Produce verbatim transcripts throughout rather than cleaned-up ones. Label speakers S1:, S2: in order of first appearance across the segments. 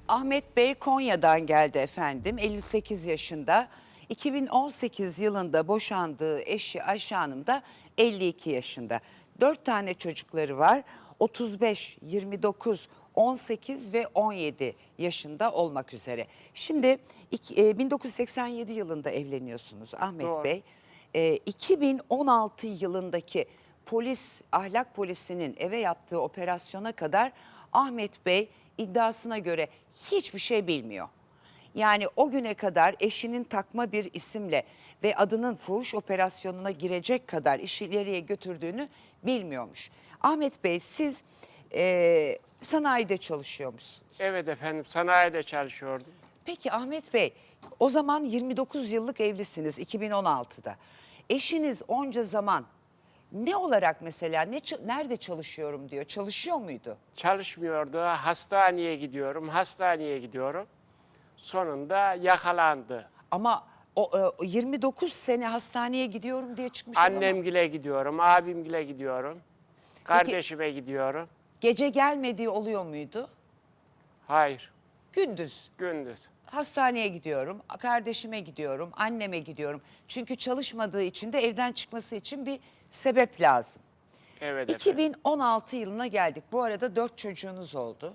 S1: Ahmet Bey Konya'dan geldi efendim. elli sekiz yaşında. iki bin on sekiz yılında boşandığı eşi Ayşe Hanım da elli iki yaşında. Dört tane çocukları var. otuz beş, yirmi dokuz, on sekiz ve on yedi yaşında olmak üzere. Şimdi iki- e, bin dokuz yüz seksen yedi yılında evleniyorsunuz Ahmet
S2: Doğru.
S1: Bey. E, iki bin on altı yılındaki polis, ahlak polisinin eve yaptığı operasyona kadar Ahmet Bey iddiasına göre hiçbir şey bilmiyor. Yani o güne kadar eşinin takma bir isimle ve adının fuhuş operasyonuna girecek kadar işi ileriye götürdüğünü bilmiyormuş. Ahmet Bey siz e, sanayide çalışıyormuşsunuz.
S2: Evet efendim, sanayide çalışıyordum.
S1: Peki Ahmet Bey, o zaman yirmi dokuz yıllık evlisiniz iki bin on altıda. Eşiniz onca zaman ne olarak mesela ne nerede çalışıyorum diyor. Çalışıyor muydu?
S2: Çalışmıyordu, hastaneye gidiyorum, hastaneye gidiyorum. Sonunda yakalandı.
S1: Ama o, e, o yirmi dokuz sene hastaneye gidiyorum diye çıkmış ama
S2: Annemgile gidiyorum, abimgile gidiyorum, kardeşime gidiyorum.
S1: gece gelmediği oluyor muydu?
S2: Hayır,
S1: Gündüz
S2: gündüz.
S1: hastaneye gidiyorum, kardeşime gidiyorum, anneme gidiyorum. Çünkü çalışmadığı için de evden çıkması için bir sebep lazım.
S2: Evet efendim.
S1: iki bin on altı yılına geldik. Bu arada dört çocuğunuz oldu.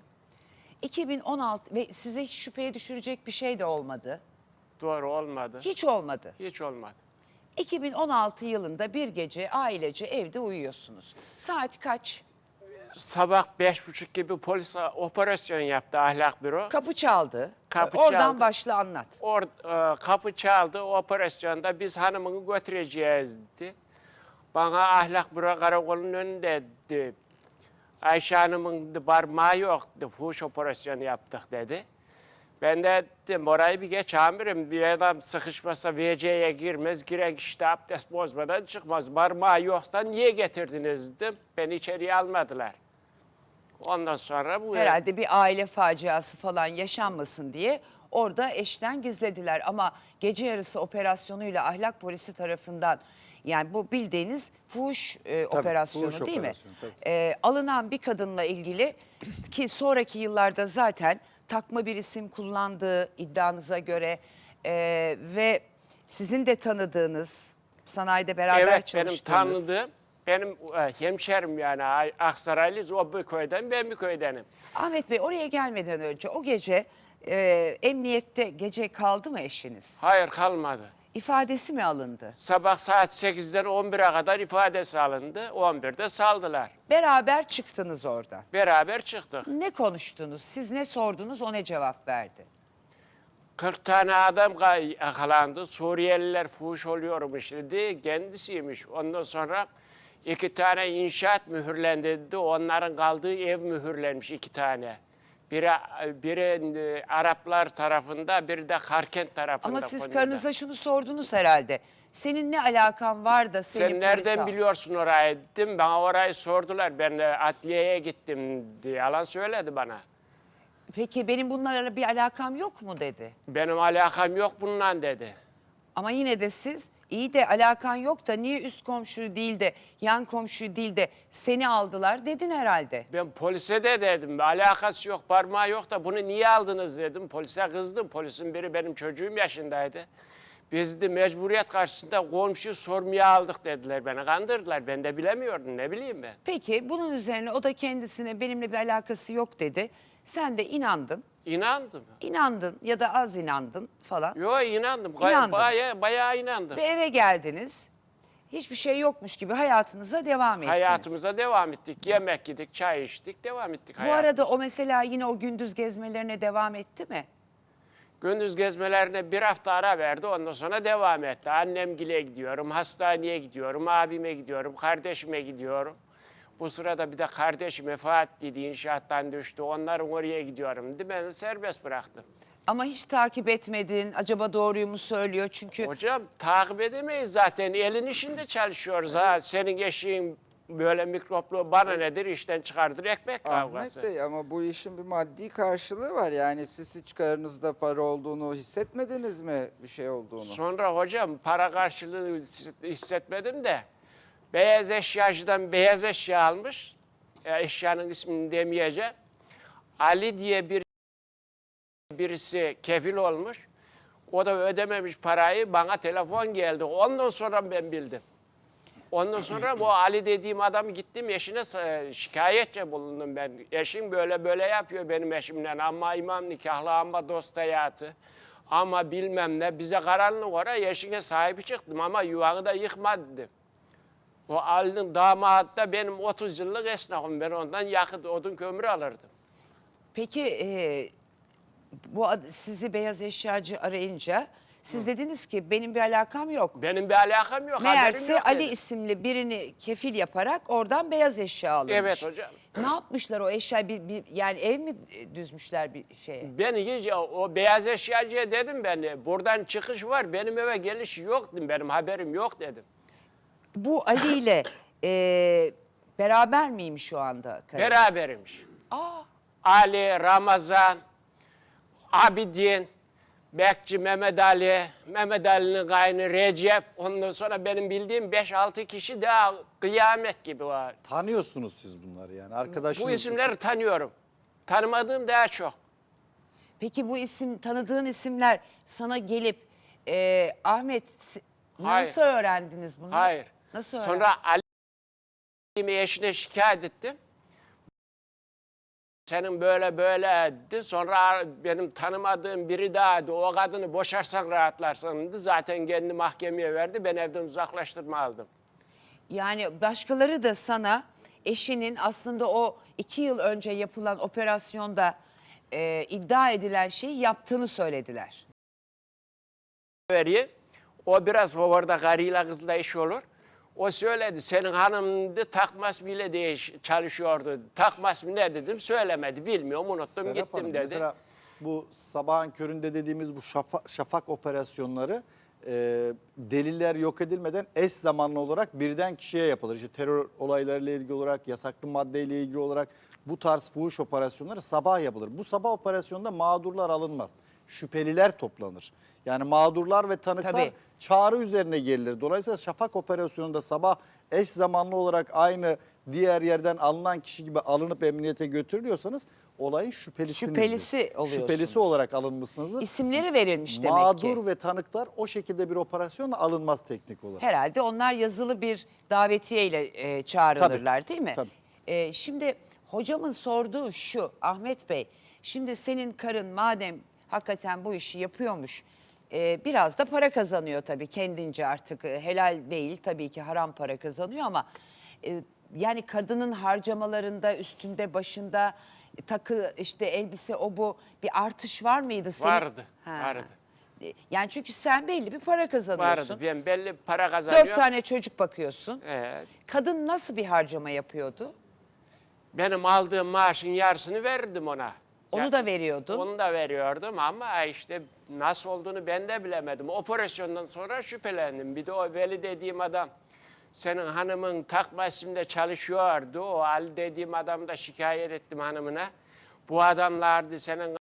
S1: iki bin on altı ve size hiç şüpheye düşürecek bir şey de olmadı.
S2: Doğru olmadı.
S1: Hiç olmadı.
S2: Hiç olmadı.
S1: iki bin on altı yılında bir gece ailece evde uyuyorsunuz. Saat kaç?
S2: Sabah beş buçuk gibi polis operasyon yaptı ahlak büro.
S1: Kapı çaldı.
S2: Kapı
S1: Oradan
S2: çaldı.
S1: başla anlat.
S2: Or, e, kapı çaldı, o operasyonda biz hanımını götüreceğiz dedi. Bana ahlak büro karakolunun önünde dedi. Ayşe Hanım'ın parmağı yoktu, fuhuş operasyonu yaptık dedi. Ben de dedim orayı bir geç amirim, bir adam sıkışmasa V C'ye girmez, giren kişi de abdest bozmadan çıkmaz. Parmağı yoksa niye getirdiniz dedim, beni içeriye almadılar. Ondan sonra bu...
S1: Herhalde bir aile faciası falan yaşanmasın diye orada eşten gizlediler. Ama gece yarısı operasyonuyla ahlak polisi tarafından, yani bu bildiğiniz fuhuş e,
S3: Tabii,
S1: operasyonu
S3: fuhuş
S1: değil
S3: operasyonu,
S1: mi?
S3: tabii.
S1: E, alınan bir kadınla ilgili ki sonraki yıllarda zaten takma bir isim kullandığı iddianıza göre e, ve sizin de tanıdığınız, sanayide beraber
S2: Evet, benim
S1: çalıştığınız.
S2: tanıdığım, benim e, hemşerim yani Aksaraylıyız, o bir köyden, ben bir köydenim.
S1: Ahmet Bey, oraya gelmeden önce o gece e, emniyette gece kaldı mı eşiniz?
S2: Hayır, kalmadı.
S1: İfadesi mi alındı?
S2: Sabah saat sekizden on bire kadar ifadesi alındı, on birde saldılar.
S1: Beraber çıktınız oradan.
S2: Beraber çıktık.
S1: Ne konuştunuz? Siz ne sordunuz, o ne cevap verdi?
S2: kırk tane adam ka- yakalandı, Suriyeliler fuhuş oluyormuş dedi, kendisiymiş. Ondan sonra iki tane inşaat mühürlendi dedi, onların kaldığı ev mühürlenmiş iki tane. Biri, biri e, Araplar tarafında, biri de Karkent tarafında.
S1: Ama siz
S2: Konya'da.
S1: karınıza şunu sordunuz herhalde. Senin ne alakan var da seni
S2: Sen
S1: polise
S2: nereden
S1: al-
S2: biliyorsun orayı dedim. Bana orayı sordular. Ben de adliyeye gittim diye yalan söyledi bana.
S1: Peki benim bunlarla bir alakam yok mu dedi.
S2: Benim alakam yok bununla dedi.
S1: Ama yine de siz iyi de alakan yok da niye üst komşu değil de yan komşu değil de seni aldılar dedin herhalde.
S2: Ben polise de dedim. Alakası yok, parmağı yok da bunu niye aldınız dedim. Polise kızdım. Polisin biri benim çocuğum yaşındaydı. Biz de mecburiyet karşısında komşu sormaya aldık dediler. Beni kandırdılar. Ben de bilemiyordum. Ne bileyim ben.
S1: Peki bunun üzerine o da kendisine benimle bir alakası yok dedi. Sen de inandın.
S2: İnandım.
S1: İnandın ya da az inandın falan.
S2: Yo inandım.
S1: İnandınız.
S2: Bayağı, bayağı inandım.
S1: Ve eve geldiniz. Hiçbir şey yokmuş gibi hayatınıza devam ettiniz.
S2: Hayatımıza devam ettik. Yemek yedik, çay içtik, devam ettik
S1: Bu
S2: hayatımıza.
S1: arada o mesela yine o gündüz gezmelerine devam etti mi?
S2: Gündüz gezmelerine bir hafta ara verdi, ondan sonra devam etti. Annemgile gidiyorum, hastaneye gidiyorum, abime gidiyorum, kardeşime gidiyorum. Bu sırada bir de kardeşim vefat dedi, inşaattan düştü. Onların oraya gidiyorum dedi. Ben de serbest bıraktım.
S1: Ama hiç takip etmedin. Acaba doğruyu mu söylüyor? Çünkü
S2: Hocam takip edemeyiz zaten. Elin işinde çalışıyoruz ha. Senin eşiğin böyle mikroplu bana nedir işten çıkardır ekmek kavgası.
S3: Ahmet Bey, ama bu işin bir maddi karşılığı var. Yani siz hiç karınızda para olduğunu hissetmediniz mi, bir şey olduğunu?
S2: Sonra hocam para karşılığı hissetmedim de beyaz eşyacıdan beyaz eşya almış. E, eşyanın ismini demeyeceğim. Ali diye bir birisi kefil olmuş. O da ödememiş parayı. Bana telefon geldi. Ondan sonra ben bildim. Ondan sonra bu Ali dediğim adamı gittim eşine e, şikayetçe bulundum ben. Eşim böyle böyle yapıyor benim eşimle. Ama imam nikahlı, ama dost hayatı. Ama bilmem ne. Bize karanlık oraya eşine sahibi çıktım ama yuvanı da yıkma dedim. O Ali'nin damadı da benim otuz yıllık esnafım. Ben ondan yakıt, odun, kömür alırdım.
S1: Peki e, bu ad- sizi beyaz eşyacı arayınca siz dediniz ki benim bir alakam yok.
S2: Benim bir alakam yok, haberim
S1: Meğerse
S2: yok
S1: Ali
S2: dedim.
S1: isimli birini kefil yaparak oradan beyaz eşya alınmış.
S2: Evet hocam.
S1: Ne yapmışlar o eşya bir, bir yani ev mi düzmüşler bir şeye?
S2: Ben hiç o beyaz eşyacıya dedim ben, buradan çıkış var, benim eve geliş yok dedim, benim haberim yok dedim.
S1: Bu Ali ile e, beraber miyim şu anda? karın?
S2: Berabermiş.
S1: Aa,
S2: Ali, Ramazan, Abidin, Bekçi Mehmet Ali, Mehmet Ali'nin kaynı Recep, ondan sonra benim bildiğim beş altı kişi daha kıyamet gibi var.
S4: Tanıyorsunuz siz bunları yani arkadaşınız.
S2: Bu isimleri tanıyorum. Tanımadığım daha çok.
S1: peki bu isim tanıdığın isimler sana gelip e, Ahmet si-
S2: Hayır.
S1: nasıl öğrendiniz bunu?
S2: Hayır.
S1: Nasıl
S2: Sonra Ali'mi eşine şikayet ettim. Senin böyle böyle dedi. Sonra benim tanımadığım biri daha dedi. O kadını boşarsan rahatlarsın dedi. Zaten kendi mahkemeye verdi. Ben evden uzaklaştırma aldım.
S1: Yani başkaları da sana eşinin aslında o iki yıl önce yapılan operasyonda e, iddia edilen şeyi yaptığını söylediler.
S2: Veriyor. O biraz hovarda karıyla kızla iş olur. O söyledi, senin hanım da takmas bile diye çalışıyordu. Takmas mı ne dedim, söylemedi, bilmiyorum, unuttum,
S4: Serap
S2: gittim
S4: Hanım,
S2: dedi.
S4: Mesela bu sabahın köründe dediğimiz bu şafa- şafak operasyonları e, deliller yok edilmeden eş zamanlı olarak birden kişiye yapılır. İşte terör olaylarıyla ilgili olarak, yasaklı maddeyle ilgili olarak bu tarz fuhuş operasyonları sabah yapılır. Bu sabah operasyonunda mağdurlar alınmaz. Şüpheliler toplanır. Yani mağdurlar ve tanıklar
S1: Tabii.
S4: çağrı üzerine gelir. Dolayısıyla şafak operasyonunda sabah eş zamanlı olarak aynı diğer yerden alınan kişi gibi alınıp emniyete götürülüyorsanız olayın şüphelisinizdir.
S1: Şüphelisi oluyorsunuz.
S4: Şüphelisi olarak alınmışsınızdır.
S1: İsimleri verilmiş demek
S4: Mağdur
S1: ki.
S4: ve tanıklar o şekilde bir operasyonla alınmaz teknik olarak.
S1: Herhalde onlar yazılı bir davetiyeyle e, çağrılırlar
S4: Tabii,
S1: değil mi?
S4: tabii.
S1: E, şimdi hocamın sorduğu şu Ahmet Bey. Şimdi senin karın madem hakikaten bu işi yapıyormuş. e, biraz da para kazanıyor tabii kendince artık. e, helal değil tabii ki haram para kazanıyor ama e, yani kadının harcamalarında üstünde başında e, takı işte elbise o bu bir artış var mıydı senin?
S2: Vardı,
S1: Ha.
S2: vardı.
S1: E, Yani çünkü sen belli bir para kazanıyorsun.
S2: Vardı, ben belli bir para kazanıyorum.
S1: Dört tane çocuk bakıyorsun.
S2: Evet.
S1: Kadın nasıl bir harcama yapıyordu?
S2: Benim aldığım maaşın yarısını verirdim ona.
S1: Onu
S2: Ya-
S1: da veriyordun.
S2: Onu da veriyordum ama işte nasıl olduğunu ben de bilemedim. Operasyondan sonra şüphelendim. Bir de o Veli dediğim adam, senin hanımın takma isimde çalışıyordu. O Ali dediğim adam da şikayet ettim hanımına. Bu adamlardı senin.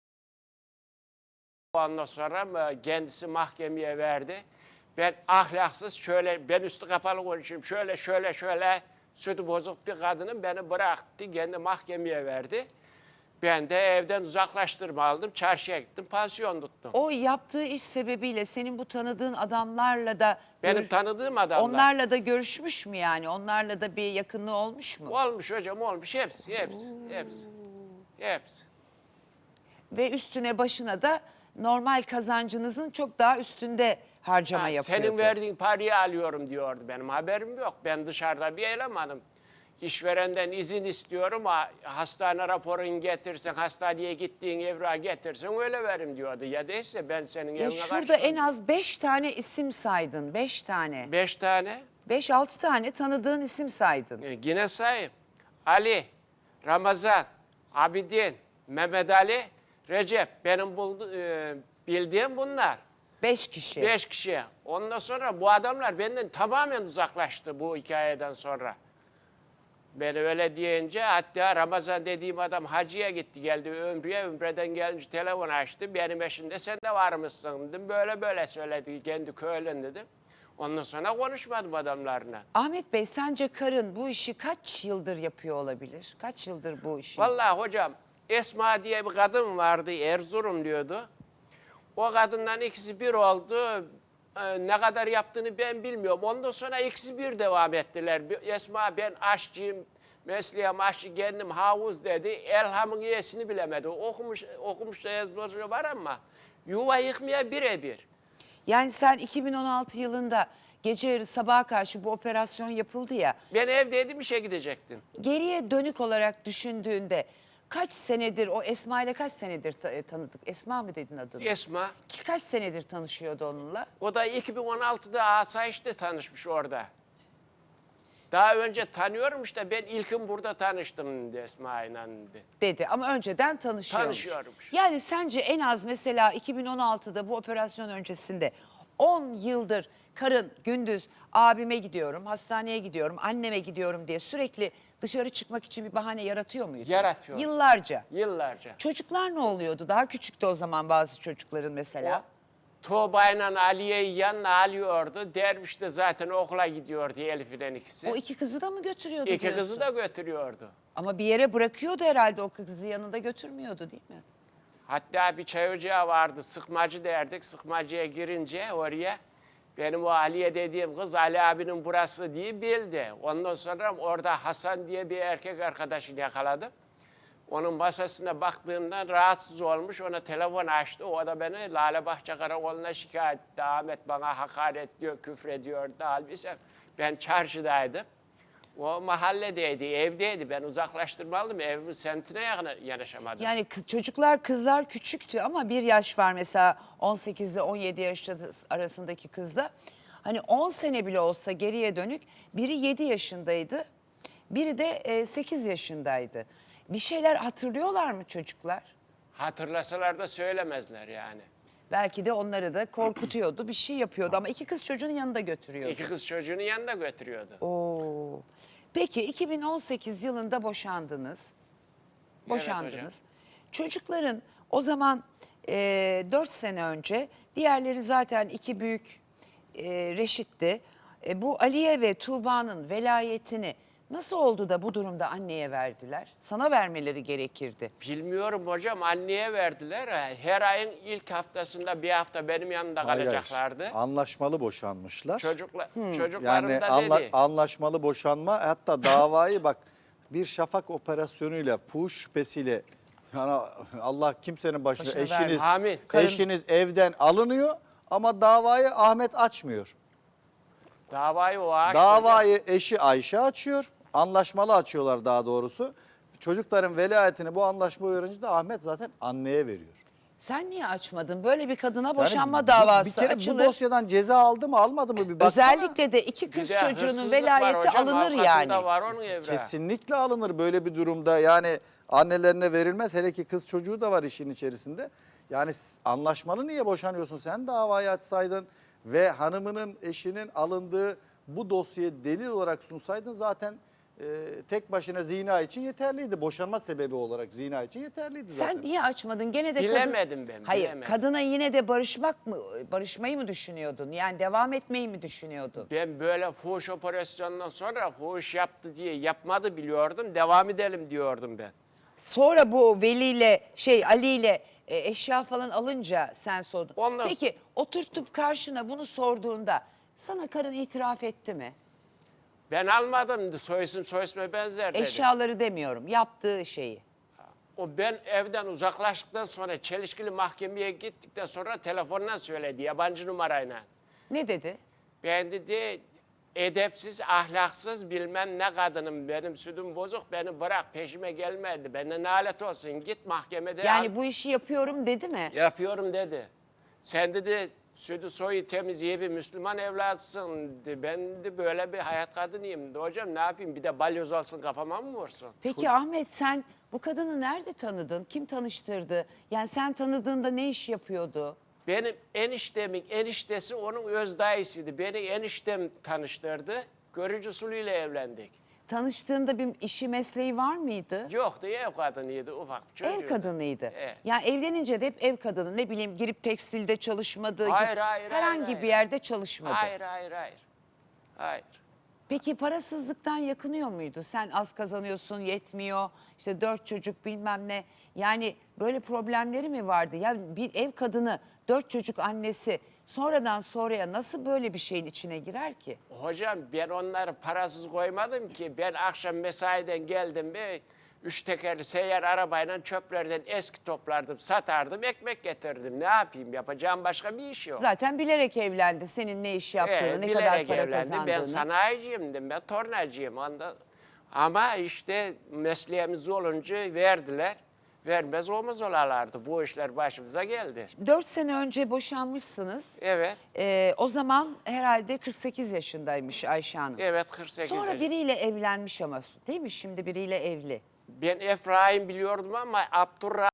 S2: Ondan sonra mı kendisi mahkemeye verdi. Ben ahlaksız şöyle, ben üstü kapalı konuşayım, şöyle şöyle şöyle sütü bozuk bir kadının beni bıraktı, kendi mahkemeye verdi. Ben de evden uzaklaştırma aldım, çarşıya gittim, pansiyon tuttum.
S1: O yaptığı iş sebebiyle senin bu tanıdığın adamlarla da
S2: Benim
S1: görüş-
S2: tanıdığım adamlar.
S1: onlarla da görüşmüş mü yani? Onlarla da bir yakınlığı olmuş mu?
S2: Olmuş hocam, olmuş, hepsi, hepsi, hepsi, hepsi.
S1: Ve üstüne başına da normal kazancınızın çok daha üstünde harcama
S2: Ha,
S1: yapıyordu.
S2: senin verdiğin parayı alıyorum diyordu, benim haberim yok. Ben dışarıda bir elemanım. İşverenden izin istiyorum, ha- hastane raporunu getirsen, hastaneye gittiğin evrağı getirsen öyle verim diyordu. Ya değilse ben senin
S1: Ya
S2: evine
S1: şurada
S2: karışmam.
S1: en az beş tane isim saydın. Beş tane.
S2: Beş tane.
S1: Beş altı tane tanıdığın isim saydın.
S2: E, Yine sayayım. Ali, Ramazan, Abidin, Mehmet Ali, Recep. Benim buldu, e, bildiğim bunlar.
S1: Beş kişi.
S2: Beş kişi. Ondan sonra bu adamlar benden tamamen uzaklaştı bu hikayeden sonra. Ben öyle deyince hatta Ramazan dediğim adam hacıya gitti geldi Ömrü'ye. Ömrü'den gelince telefon açtı. Benim eşimde sen de var mısın dedim. Böyle böyle söyledi kendi köylün dedim. Ondan sonra konuşmadım adamlarla.
S1: Ahmet Bey sence karın bu işi kaç yıldır yapıyor olabilir? Kaç yıldır bu işi?
S2: Vallahi hocam Esma diye bir kadın vardı, Erzurum diyordu. O kadından ikisi bir oldu. Ee, ne kadar yaptığını ben bilmiyorum. Ondan sonra ikisi bir devam ettiler. Bir- Esma ben aşçıyım, mesleğim aşçı, kendim havuz dedi. Elham'ın iyisini bilemedi. Okumuş, okumuş da yazması var ama yuva yıkmaya birebir.
S1: Yani sen iki bin on altı yılında gece yarı sabaha karşı bu operasyon yapıldı ya.
S2: Ben evdeydim, işe gidecektim.
S1: Geriye dönük olarak düşündüğünde kaç senedir o Esma ile kaç senedir ta- tanıdık? Esma mı dedin adını?
S2: Esma,
S1: Ki Kaç senedir tanışıyordu onunla?
S2: o da iki bin on altıda Asayiş'te tanışmış orada. Daha önce tanıyormuş da ben ilkim burada tanıştım dedi Esma'yla dedi.
S1: Dedi ama önceden tanışıyormuş.
S2: Tanışıyormuş.
S1: Yani sence en az mesela iki bin on altıda bu operasyon öncesinde on yıldır karın gündüz abime gidiyorum, hastaneye gidiyorum, anneme gidiyorum diye sürekli dışarı çıkmak için bir bahane yaratıyor muydu?
S2: Yaratıyor.
S1: Yıllarca.
S2: Yıllarca.
S1: Çocuklar ne oluyordu? Daha küçüktü o zaman bazı çocukların mesela.
S2: Tuğba'yla Aliye'yi yanına alıyordu. Derviş de zaten okula gidiyordu Elif'in ikisi.
S1: O iki kızı da mı götürüyordu
S2: İki
S1: diyorsun?
S2: kızı da götürüyordu.
S1: Ama bir yere bırakıyordu herhalde, o kızı yanında götürmüyordu değil mi?
S2: Hatta bir çay ocağı vardı, sıkmacı derdik. Sıkmacıya girince oraya benim o Aliye dediğim kız Ali abinin burası diye bildi. Ondan sonra orada Hasan diye bir erkek arkadaşını yakaladım. Onun masasına baktığımdan rahatsız olmuş, ona telefon açtı. O da beni Lalebahçe Karakolu'na şikayet etti. Ahmet bana hakaret diyor, küfrediyor. Halbuki ben çarşıdaydım. O mahalledeydi, evdeydi. Ben uzaklaştırmalıydım. Evimin semtine yakın yanaşamadım.
S1: Yani kız- çocuklar, kızlar küçüktü ama bir yaş var mesela on sekiz ile on yedi yaş arasındaki kızla. Hani on sene bile olsa geriye dönük biri yedi yaşındaydı, biri de e, sekiz yaşındaydı. Bir şeyler hatırlıyorlar mı çocuklar?
S2: Hatırlasalar da söylemezler yani.
S1: Belki de onları da korkutuyordu, bir şey yapıyordu ama iki kız çocuğun yanında götürüyordu.
S2: İki kız çocuğunu yanında götürüyordu.
S1: Oo. Peki iki bin on sekiz yılında boşandınız. Boşandınız.
S2: hocam.
S1: Çocukların o zaman e, dört sene önce, diğerleri zaten iki büyük e, reşitti. E, bu Aliye ve Tuğba'nın velayetini nasıl oldu da bu durumda anneye verdiler? Sana vermeleri gerekirdi.
S2: Bilmiyorum hocam, anneye verdiler. Her ayın ilk haftasında bir hafta benim yanımda
S4: Hayır, hayır.
S2: kalacaklardı.
S4: Anlaşmalı boşanmışlar.
S2: Çocukla,
S1: Hmm.
S2: Çocuklarım
S4: Yani
S2: da
S4: anla-
S2: dedi.
S4: anlaşmalı boşanma, hatta davayı bak bir şafak operasyonuyla, fuhuş şüphesiyle, yani Allah kimsenin başına,
S1: Başına
S4: eşiniz
S2: vermesin. Amin.
S1: Karın-
S4: eşiniz evden alınıyor ama davayı Ahmet açmıyor.
S2: Davayı o açtı.
S4: Davayı eşi Ayşe açıyor. Anlaşmalı açıyorlar daha doğrusu. Çocukların velayetini bu anlaşma öğrenince de Ahmet zaten anneye veriyor.
S1: Sen niye açmadın? Böyle bir kadına
S4: Yani
S1: boşanma
S4: bu-
S1: davası
S4: bir kere
S1: açılır.
S4: bu dosyadan ceza aldı mı almadı mı bir baksana.
S1: Özellikle de iki kız
S2: Bir de
S1: çocuğunun
S2: hırsızlık var
S1: velayeti
S2: hocam,
S1: alınır
S2: avukatında
S1: yani.
S2: var onun evrağı.
S4: Kesinlikle alınır böyle bir durumda. Yani annelerine verilmez. Hele ki kız çocuğu da var işin içerisinde. Yani s- anlaşmalı niye boşanıyorsun? Sen davayı açsaydın ve hanımının, eşinin alındığı bu dosyayı delil olarak sunsaydın zaten e, tek başına zina için yeterliydi. Boşanma sebebi olarak zina için yeterliydi zaten.
S1: Sen niye açmadın? Gene de kadın-
S2: Bilemedim ben,
S1: Hayır,
S2: bilemedim.
S1: kadına yine de barışmak mı, barışmayı mı düşünüyordun? Yani devam etmeyi mi düşünüyordun?
S2: Ben böyle fuhuş operasyonundan sonra fuhuş yaptı diye yapmadı biliyordum. Devam edelim diyordum ben.
S1: Sonra bu Veli ile şey Ali ile e, eşya falan alınca sen sordun.
S2: Ondan-
S1: Peki oturtup karşına bunu sorduğunda sana karın itiraf etti mi?
S2: Ben almadım, soysun soysuma benzer dedi.
S1: Eşyaları demiyorum, yaptığı şeyi.
S2: O ben evden uzaklaştıktan sonra çelişkili mahkemeye gittikten sonra telefonla söyledi yabancı numarayla.
S1: Ne dedi?
S2: Ben dedi edepsiz, ahlaksız bilmem ne kadınım, benim sütüm bozuk, beni bırak, peşime gelmedi. Benden nalet olsun, git mahkemede
S1: Yani
S2: al.
S1: bu işi yapıyorum dedi mi?
S2: Yapıyorum dedi. Sen dedi sütü soyu temiz iyi bir Müslüman evlatsın. dedi. Ben de böyle bir hayat kadınıyım. De, hocam ne yapayım, bir de balyoz olsun kafama mı vursun?
S1: Peki Ahmet, sen bu kadını nerede tanıdın? Kim tanıştırdı? Yani sen tanıdığında ne iş yapıyordu?
S2: Benim eniştemin eniştesi onun öz dayısıydı. Beni eniştem tanıştırdı. Görücü usulüyle evlendik.
S1: Tanıştığında bir işi, mesleği var mıydı?
S2: Yoktu, ev kadınıydı, ufak bir çocuğu.
S1: Ev kadınıydı.
S2: Evet.
S1: Yani evlenince de hep ev kadını, ne bileyim girip tekstilde çalışmadı.
S2: Hayır,
S1: git-
S2: hayır,
S1: herhangi
S2: hayır,
S1: bir
S2: hayır.
S1: yerde çalışmadı.
S2: Hayır, hayır, hayır. Hayır.
S1: Peki parasızlıktan yakınıyor muydu? Sen az kazanıyorsun, yetmiyor. İşte dört çocuk bilmem ne. Yani böyle problemleri mi vardı? Ya bir ev kadını, dört çocuk annesi sonradan sonraya nasıl böyle bir şeyin içine girer ki?
S2: Hocam ben onları parasız koymadım ki. Ben akşam mesaiden geldim ve üç tekerli seyyar arabayla çöplerden eski toplardım, satardım, ekmek getirdim. Ne yapayım? Yapacağım başka bir iş yok.
S1: Zaten bilerek evlendi. Senin ne iş yaptığını,
S2: Evet,
S1: ne kadar
S2: bilerek
S1: para
S2: evlendim.
S1: kazandığını.
S2: Ben sanayiciyim, ben tornacıyım. Onda. Ama işte mesleğimiz olunca verdiler. Vermez olmaz olarlardı. Bu işler başımıza geldi.
S1: Dört sene önce boşanmışsınız.
S2: Evet,
S1: Ee, o zaman herhalde kırk sekiz yaşındaymış Ayşe Hanım.
S2: evet kırk sekiz
S1: Sonra
S2: yaş-
S1: biriyle evlenmiş ama değil mi? Şimdi biriyle evli.
S2: Ben Efraim biliyordum ama Abdurrahman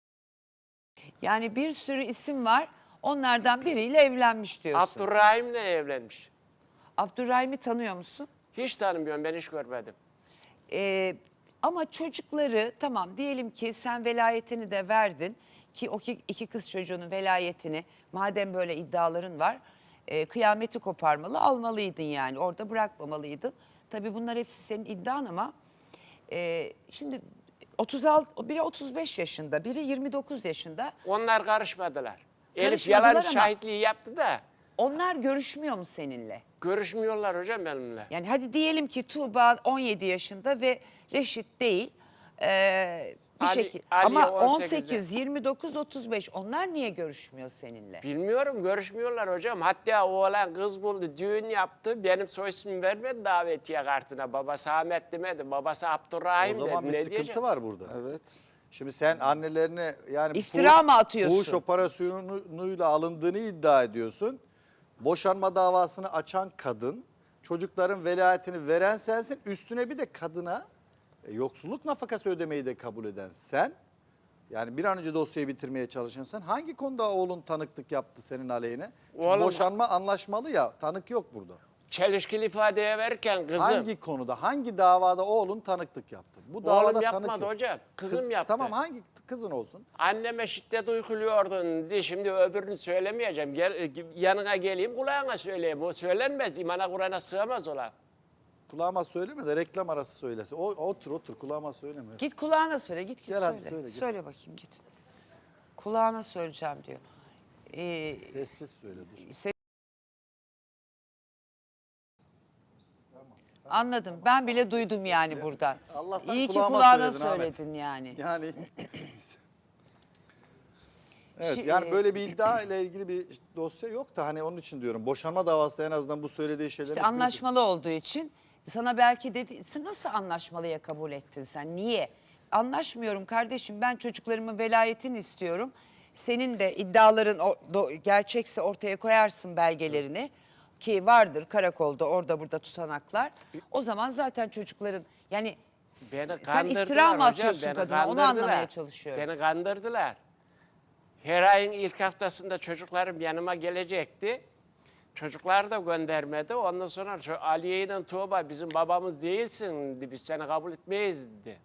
S1: Yani bir sürü isim var. Onlardan biriyle evlenmiş diyorsun.
S2: Abdurrahim'le evlenmiş.
S1: Abdurrahim'i tanıyor musun?
S2: Hiç tanımıyorum, ben hiç görmedim.
S1: Ee, ama çocukları tamam diyelim ki sen velayetini de verdin ki o ki- iki kız çocuğunun velayetini madem böyle iddiaların var e, kıyameti koparmalı almalıydın yani orada bırakmamalıydın. Tabii bunlar hepsi senin iddian ama e, şimdi otuz altı biri otuz beş yaşında biri yirmi dokuz yaşında
S2: Onlar karışmadılar. Elif
S1: Karışmadılar
S2: yalan
S1: ama-
S2: şahitliği yaptı da
S1: onlar görüşmüyor mu seninle?
S2: görüşmüyorlar hocam benimle.
S1: Yani hadi diyelim ki Tuğba on yedi yaşında ve Reşit değil. Ee, bir
S2: Ali-
S1: şekilde.
S2: Ali
S1: Ama
S2: on
S1: on
S2: sekizde.
S1: sekiz, yirmi dokuz, otuz beş onlar niye görüşmüyor seninle?
S2: Bilmiyorum, görüşmüyorlar hocam. Hatta oğlan kız buldu, düğün yaptı. Benim soy ismimi vermedi davetiye kartına. Babası Ahmet demedi, babası Abdurrahim
S4: O zaman
S2: dedi.
S4: bir
S2: Ne
S4: sıkıntı
S2: diyeceğim?
S4: var burada.
S3: Evet.
S4: Şimdi sen annelerine yani
S1: İftira
S4: fuhuş-
S1: mı atıyorsun?
S4: Fuhuş operasyonuyla alındığını iddia ediyorsun. Boşanma davasını açan kadın, çocukların velayetini veren sensin. Üstüne bir de kadına e, yoksulluk nafakası ödemeyi de kabul eden sen. Yani bir an önce dosyayı bitirmeye çalışan sen. Hangi konuda oğlun tanıklık yaptı senin aleyhine? Çünkü
S2: Oğlum-
S4: boşanma anlaşmalı ya, tanık yok burada.
S2: Çelişkili ifadeye verirken kızım.
S4: Hangi konuda, hangi davada oğlun tanıklık yaptı? Bu davada
S2: Oğlum
S4: tanık
S2: yapmadı
S4: yok.
S2: hocam, kızım
S4: Kız-
S2: yaptı.
S4: Tamam, hangi kızın olsun?
S2: Anneme şiddet uyguluyordun diye şimdi öbürünü söylemeyeceğim. Gel, yanına geleyim kulağına söyleyeyim. O söylenmez, imana Kur'an'a sığamaz ola.
S4: Kulağıma söyleme de reklam arası söylesin. O, otur otur kulağıma söyleme.
S1: Git kulağına söyle, git git
S4: Gel
S1: söyle.
S4: hadi söyle, git.
S1: Söyle bakayım git. Kulağına söyleyeceğim diyor. Ee,
S4: Sessiz söyle dur.
S1: se- Anladım. Ben bile duydum yani buradan.
S4: Allah'tan
S1: İyi ki
S4: kulağıma
S1: kulağına
S4: söyledin Ahmet.
S1: söyledin yani.
S4: Yani Evet
S1: Şi-
S4: yani böyle bir iddia ile ilgili bir dosya yok da hani onun için diyorum. Boşanma davası en azından bu söylediği şeyler.
S1: İşte anlaşmalı olduğu için sana belki dedi sen nasıl anlaşmalıya kabul ettin sen? Niye? Anlaşmıyorum kardeşim ben çocuklarımın velayetini istiyorum. Senin de iddiaların o- do- gerçekse ortaya koyarsın belgelerini ki vardır karakolda orada burada tutanaklar. O zaman zaten çocukların yani
S2: Beni
S1: sen
S2: kandırdılar
S1: iftira mı
S2: hocam,
S1: atıyorsun
S2: beni
S1: kadına onu
S2: kandırdılar.
S1: anlamaya çalışıyorum.
S2: Beni kandırdılar. Her ayın ilk haftasında çocuklarım yanıma gelecekti. Çocuklar da göndermedi. Ondan sonra şu Aliye ile Tuğba bizim babamız değilsin dedi. Biz seni kabul etmeyiz dedi.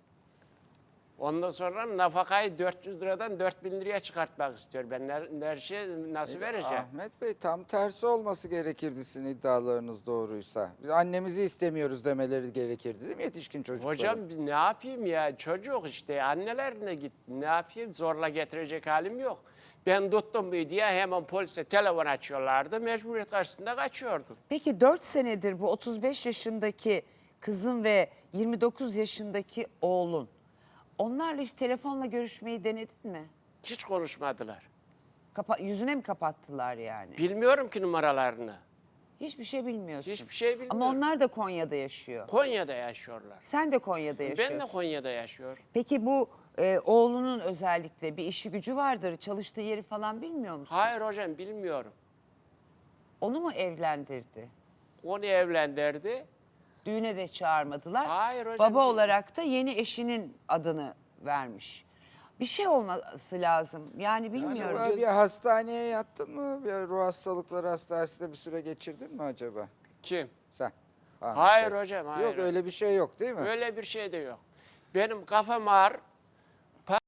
S2: Ondan sonra nafakayı dört yüz liradan dört bin liraya çıkartmak istiyor. Ben her, her şeyi nasıl vereceğim?
S3: Ahmet Bey tam tersi olması gerekirdi sizin iddialarınız doğruysa. Biz annemizi istemiyoruz demeleri gerekirdi değil mi yetişkin çocuklara?
S2: Hocam biz ne yapayım ya? Çocuk işte annelerine git. Ne yapayım? Zorla getirecek halim yok. Ben tuttum bir diye hemen polise telefon açıyorlardı. Mecburiyet karşısında kaçıyordum.
S1: Peki dört senedir bu otuz beş yaşındaki kızın ve yirmi dokuz yaşındaki oğlun onlarla hiç telefonla görüşmeyi denedin mi?
S2: Hiç konuşmadılar.
S1: Kapa yüzüne mi kapattılar yani?
S2: Bilmiyorum ki numaralarını.
S1: Hiçbir şey bilmiyorsun.
S2: Hiçbir şey bilmiyorum.
S1: Ama onlar da Konya'da yaşıyor.
S2: Konya'da yaşıyorlar.
S1: Sen de Konya'da yaşıyorsun.
S2: Ben de Konya'da yaşıyorum.
S1: Peki bu e, oğlunun özellikle bir işi gücü vardır. Çalıştığı yeri falan bilmiyor musun?
S2: Hayır hocam bilmiyorum.
S1: Onu mu evlendirdi?
S2: Onu evlendirdi.
S1: Düğüne de çağırmadılar.
S2: Hayır hocam,
S1: Baba
S2: değil.
S1: olarak da yeni eşinin adını vermiş. Bir şey olması lazım. Yani bilmiyorum.
S3: Acaba bir hastaneye yattın mı? Bir ruh hastalıkları hastanesinde bir süre geçirdin mi acaba?
S2: Kim?
S3: Sen. Ahmet
S2: Hayır
S3: Bey.
S2: hocam, hayır.
S3: Yok öyle bir şey yok değil mi?
S2: Öyle bir şey de yok. Benim kafam ağır. Pa-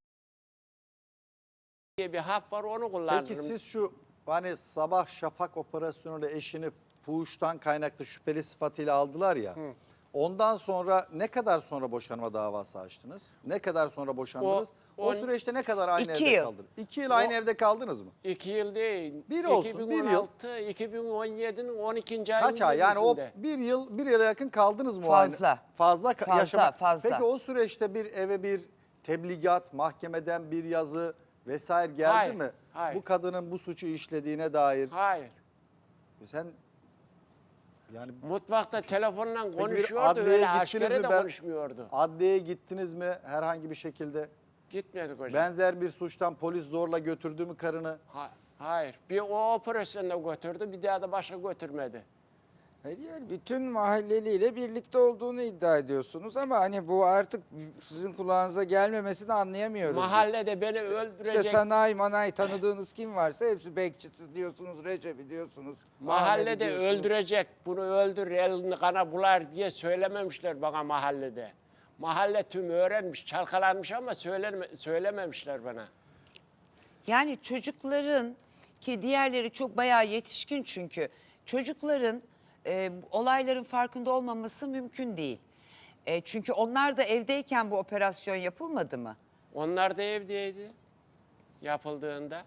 S2: diye bir hap var onu kullanırım.
S4: Peki siz şu hani sabah şafak operasyonuyla eşini fuhuştan kaynaklı şüpheli sıfatıyla aldılar ya. Ondan sonra ne kadar sonra boşanma davası açtınız? Ne kadar sonra boşandınız? O,
S2: O- on-
S4: süreçte ne kadar aynı
S1: İki
S4: evde
S1: yıl.
S4: kaldınız? İki yıl aynı
S2: O-
S4: evde kaldınız mı?
S2: İki yıl değil.
S4: Bir olsun, bir yıl.
S2: iki bin on altı, iki bin on yedi'nin on ikinci ayının
S4: Kaç ay? Yani o
S2: yedisinde.
S4: bir yıl, bir yıla yakın kaldınız mı? o
S1: Fazla.
S4: aynı- Fazla. ka-
S1: Fazla,
S4: yaşamak.
S1: fazla.
S4: Peki o süreçte bir eve bir tebligat, mahkemeden bir yazı vesaire geldi
S2: Hayır,
S4: mi?
S2: hayır.
S4: Bu kadının bu suçu işlediğine dair.
S2: Hayır.
S4: Sen yani
S2: Mutfakta telefonla
S4: peki bir
S2: konuşuyordu,
S4: adliyeye
S2: öyle
S4: gittiniz
S2: askere
S4: mi?
S2: de
S4: Ben-
S2: konuşmuyordu.
S4: Adliyeye gittiniz mi herhangi bir şekilde?
S2: Gitmedik hocam.
S4: Benzer bir suçtan polis zorla götürdü mü karını?
S2: Ha- hayır. Bir o operasyonda götürdü, bir daha da başka götürmedi.
S3: Hayır, yani bütün mahalleliyle birlikte olduğunu iddia ediyorsunuz ama hani bu artık sizin kulağınıza gelmemesini anlayamıyoruz biz.
S2: Mahallede beni
S3: İşte
S2: öldürecek.
S3: sanayi manay tanıdığınız kim varsa hepsi bekçisiz diyorsunuz, Recep'i diyorsunuz. Ahmet'i
S2: Mahallede
S3: diyorsunuz.
S2: öldürecek, bunu öldür, elini kana bular diye söylememişler bana mahallede. Mahalle tüm öğrenmiş, çalkalanmış ama söyleme, söylememişler bana.
S1: Yani çocukların ki diğerleri çok bayağı yetişkin çünkü çocukların e, olayların farkında olmaması mümkün değil. E, çünkü onlar da evdeyken bu operasyon yapılmadı mı?
S2: Onlar da evdeydi yapıldığında.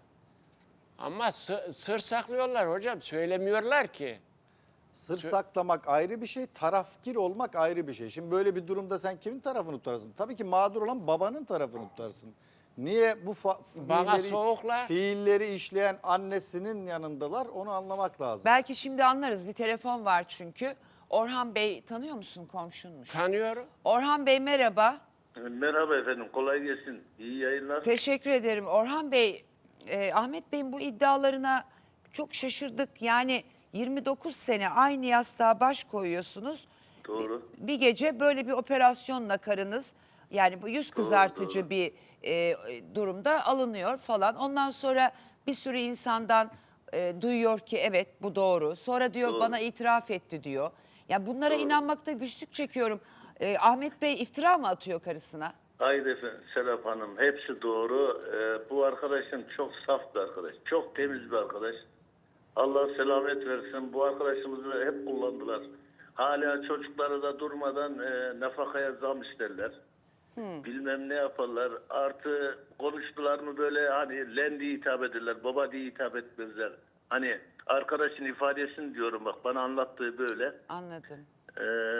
S2: Ama sı- sır saklıyorlar hocam, söylemiyorlar ki.
S4: Sır saklamak ayrı bir şey, tarafkir olmak ayrı bir şey. Şimdi böyle bir durumda sen kimin tarafını tutarsın? Tabii ki mağdur olan babanın tarafını tutarsın. Niye bu fa-
S2: Bana
S4: fiilleri,
S2: soğukla-
S4: fiilleri işleyen annesinin yanındalar onu anlamak lazım.
S1: Belki şimdi anlarız. Bir telefon var çünkü. Orhan Bey tanıyor musun, komşunmuş?
S2: Tanıyorum.
S1: Orhan Bey merhaba.
S5: Merhaba efendim, kolay gelsin. İyi yayınlar.
S1: Teşekkür ederim. Orhan Bey, e, Ahmet Bey'in bu iddialarına çok şaşırdık. Yani yirmi dokuz sene aynı yastığa baş koyuyorsunuz.
S5: Doğru.
S1: Bir gece böyle bir operasyonla karınız, yani bu yüz kızartıcı
S5: doğru.
S1: bir e, durumda alınıyor falan. Ondan sonra bir sürü insandan e, duyuyor ki evet bu doğru. Sonra diyor
S5: Doğru.
S1: bana itiraf etti diyor. Ya bunlara inanmakta güçlük çekiyorum. E, Ahmet Bey iftira mı atıyor karısına?
S5: Hayır efendim, Serap Hanım, hepsi doğru. Ee, bu arkadaşım çok saf bir arkadaş, çok temiz bir arkadaş. Allah selamet versin. Bu arkadaşımızı hep kullandılar. Hala çocukları da durmadan e, nafakaya zam isterler. Bilmem ne yaparlar. Artı konuştular mı böyle hani len diye hitap ederler, baba diye hitap etmezler. Hani arkadaşın ifadesini diyorum, bak bana anlattığı böyle.
S1: Anladım.
S5: Ee,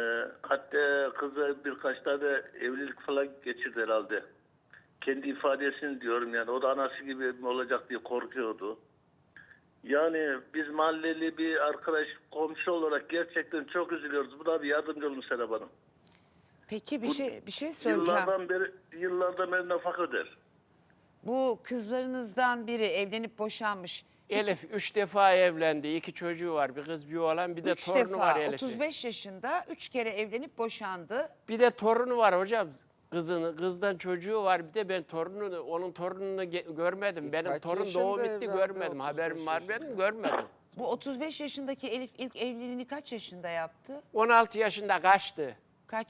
S5: hatta kızı birkaç tane evlilik falan geçirdi herhalde. Kendi ifadesini diyorum, yani o da anası gibi mi olacak diye korkuyordu. Yani biz mahalleli bir arkadaş, komşu olarak gerçekten çok üzülüyoruz. Bu da bir yardımcı olun Serap Hanım.
S1: Peki bir
S5: Bu
S1: şey bir şey söyleyeceğim.
S5: Yıllardan beri, yıllardan beri nafaka öder.
S1: Bu kızlarınızdan biri evlenip boşanmış.
S2: Elif üç defa evlendi. İki çocuğu var. Bir kız bir oğlan. Bir de
S1: Üç
S2: torunu
S1: defa
S2: var Elif'in.
S1: otuz beş yaşında üç kere evlenip boşandı.
S2: Bir de torunu var hocam. Kızını, kızdan çocuğu var. Bir de ben torununu, onun torununu ge- görmedim. Benim
S3: Kaç
S2: torun
S3: yaşında
S2: doğum bitti
S3: evlendi
S2: görmedim.
S3: otuz
S2: Haberim
S3: beş
S2: var
S3: yaşında?
S2: benim görmedim.
S1: Bu otuz beş yaşındaki Elif ilk evliliğini kaç yaşında yaptı?
S2: on altı yaşında kaçtı.
S1: Kaç?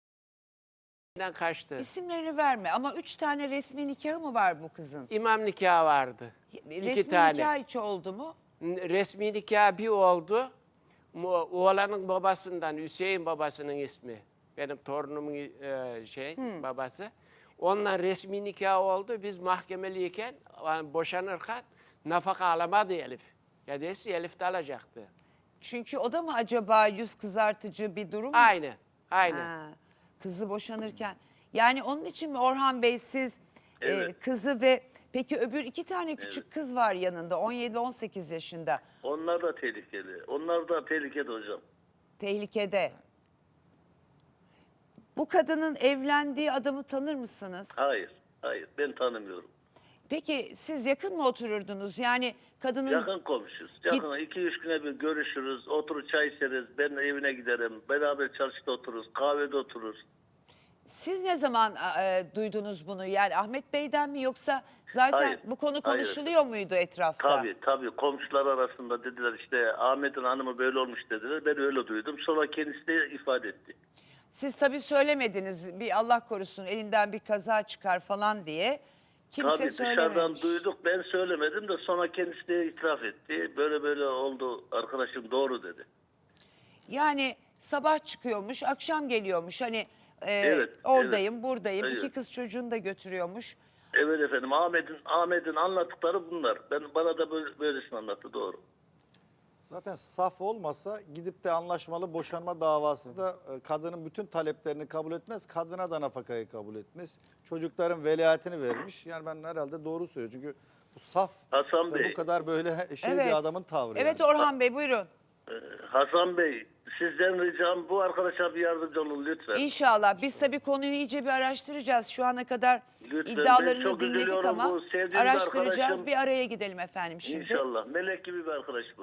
S2: Neden kaçtı?
S1: İsimlerini verme ama üç tane resmi nikahı mı var bu kızın?
S2: İmam nikahı vardı.
S1: Resmi
S2: İki tane.
S1: nikah hiç oldu mu?
S2: N- Resmi nikah bir oldu. Mu- Oğlanın babasından, Hüseyin babasının ismi. Benim torunumun e, şey babası. Onunla resmi nikah oldu. Biz mahkemeliyken, yani boşanırken nafaka alamadı Elif. Ya desi Elif de alacaktı.
S1: Çünkü o da mı acaba yüz kızartıcı bir durum?
S2: Aynı, aynı.
S1: Ha, kızı boşanırken. Yani onun için mi Orhan Bey siz e,
S5: Evet.
S1: kızı ve peki öbür iki tane küçük kız var yanında on yedi on sekiz yaşında
S5: Onlar da tehlikeli. Onlar da tehlikeli hocam.
S1: tehlikede. Bu kadının evlendiği adamı tanır mısınız?
S5: Hayır, hayır ben tanımıyorum.
S1: Peki siz yakın mı otururdunuz? Yani kadının
S5: Yakın komşuyuz. Yakın iki üç güne bir görüşürüz. Oturup çay içeriz. Ben evine giderim. Beraber çarşıda otururuz. Kahvede otururuz.
S1: siz ne zaman e, duydunuz bunu? Yani Ahmet Bey'den mi yoksa zaten
S5: Hayır,
S1: bu konu
S5: hayır.
S1: konuşuluyor muydu etrafta?
S5: Tabii tabii komşular arasında dediler işte Ahmet'in hanımı böyle olmuş dediler. Ben öyle duydum. Sonra kendisi de ifade etti.
S1: Siz tabii söylemediniz bir Allah korusun elinden bir kaza çıkar falan diye. Kimse
S5: Tabii
S1: söylememiş.
S5: dışarıdan duyduk. Ben söylemedim de sonra kendisi de itiraf etti. Böyle böyle oldu arkadaşım doğru dedi.
S1: Yani sabah çıkıyormuş, akşam geliyormuş. Hani e,
S5: Evet,
S1: oradayım,
S5: evet.
S1: buradayım.
S5: Evet.
S1: İki kız çocuğunu da götürüyormuş.
S5: Evet efendim, Ahmet'in Ahmet'in anlattıkları bunlar. Ben bana da böyle, böylesini anlattı, doğru.
S4: Zaten saf olmasa gidip de anlaşmalı boşanma davasında e, kadının bütün taleplerini kabul etmez. Kadına da nafakayı kabul etmez. Çocukların velayetini vermiş. Yani ben herhalde doğru söylüyorum. Çünkü bu saf
S5: Hasan
S4: ve
S5: Bey.
S4: bu kadar böyle şey
S1: Evet.
S4: bir adamın tavrı.
S1: Evet
S4: yani.
S1: Orhan Bey buyurun.
S5: Hasan Bey, sizden ricam bu arkadaşa bir yardımcı olun lütfen.
S1: İnşallah. Biz tabii konuyu iyice bir araştıracağız. Şu ana kadar
S5: Lütfen, ben
S1: iddialarını
S5: çok
S1: dinledik
S5: üzülüyorum.
S1: ama
S5: Bu sevdiğim bir
S1: araştıracağız.
S5: arkadaşım.
S1: Bir araya gidelim efendim şimdi.
S5: İnşallah. Melek gibi bir arkadaş bu.